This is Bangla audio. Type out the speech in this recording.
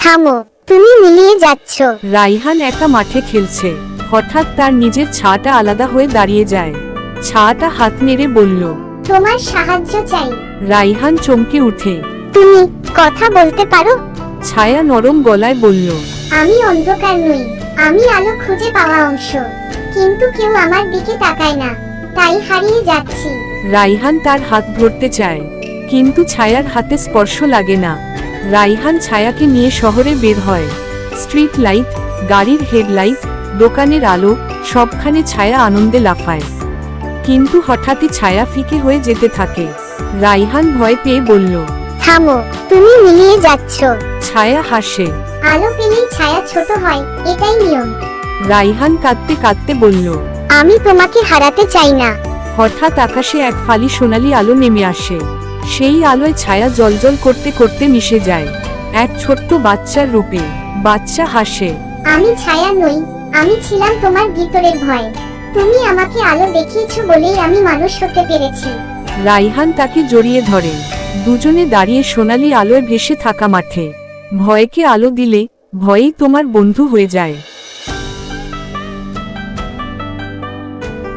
থামো, তুমি মিলিয়ে যাচ্ছ। রাইহান একা মাঠে খেলছে, হঠাৎ তার নিজের ছাটা আলাদা হয়ে দাঁড়িয়ে যায়। ছাটা হাত নেড়ে বলল, তোমার সাহায্য চাই। রাইহান চমকে উঠে। তুমি কথা বলতে পারো? ছায়া নরম গলায় বলল, আমি অন্ধকার নই, আমি আলো খুঁজে পাওয়া অংশ, কিন্তু কেউ আমার দিকে তাকায় না, তাই হারিয়ে যাচ্ছি। রাইহান তার হাত ধরতে চায়, কিন্তু ছায়ার হাতে স্পর্শ লাগে না। রাইহান ছায়াকে নিয়ে শহরে বের হয়। স্ট্রিট লাইট, গাড়ির হেডলাইট, দোকানের আলো, সবখানে ছায়া আনন্দে লাফায়। কিন্তু হঠাৎই ছায়া ফিকে হয়ে যেতে থাকে। রাইহান ভয় পেয়ে বলল, থামো, তুমি মিলিয়ে যাচ্ছ। ছায়া হাসে। আলো পেলেই ছায়া ছোট হয়, এটাই নিয়ম। রাইহান কাঁদতে কাঁদতে বলল, আমি তোমাকে হারাতে চাই না। হঠাৎ আকাশে এক ফালি সোনালি আলো নেমে আসে। সেই আলোয় ছায়া জ্বলজ্বল করতে করতে মিশে যায় এক ছোট্ট বাচ্চার রূপে। বাচ্চা হাসে। আমি ছায়া নই, আমি ছিলাম তোমার ভিতরের ভয়। তুমি আমাকে আলো দেখিয়েছো বলেই আমি মানুষ হতে পেরেছি। রাইহান তাকে জড়িয়ে ধরে। দুজনে দাঁড়িয়ে সোনালি আলোয় ভেসে থাকা মাঠে। ভয়কে আলো দিলে ভয়েই তোমার বন্ধু হয়ে যায়।